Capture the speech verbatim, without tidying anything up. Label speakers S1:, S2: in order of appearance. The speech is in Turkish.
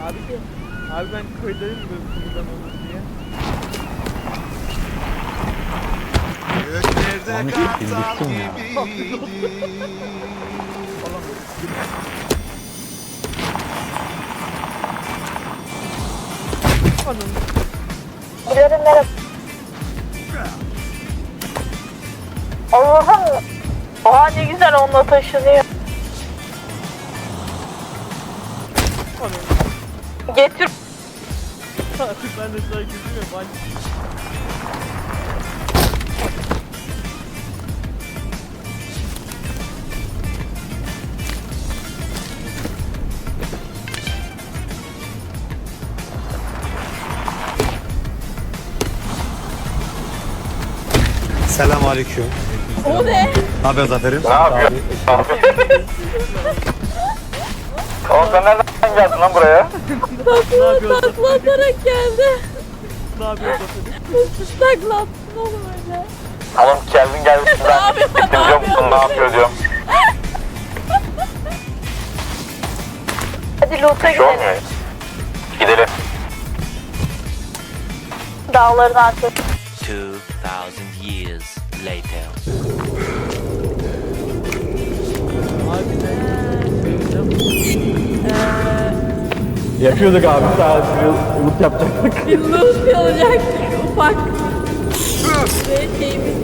S1: Abi abi ben koydayım böyle buradan olur diye.
S2: Göklerde kartal gibiydi.
S3: Biliyorum merhaba. Allah'ım. Oha ne güzel onunla taşınıyor. Getir.
S1: Artık ben de sana gülmüyorum. Bak.
S4: Selamünaleyküm.
S3: O ne?
S4: Ne haber Zafer'im?
S5: Ne yapıyorsun? Ne yapıyorsun? Oğlum sen nereden geldin lan buraya?
S3: Takla taklatarak geldi.
S1: Ne yapıyorsun Zafer'im?
S3: Nasıl taklattın oğlum öyle?
S5: Oğlum geldin geldin ben gittim diyor musun ne yapıyor diyorum.
S3: Hadi loot'a
S5: Bir şey olmuyor.
S3: gidelim.
S5: Gidelim.
S3: Dağların arkası.
S6: Two thousand years later.
S1: Abi ne?
S7: Yapıyorduk abi, sadece loot yapacaktık.
S3: Bir loot yapacaktık ufak. Ve şeyimiz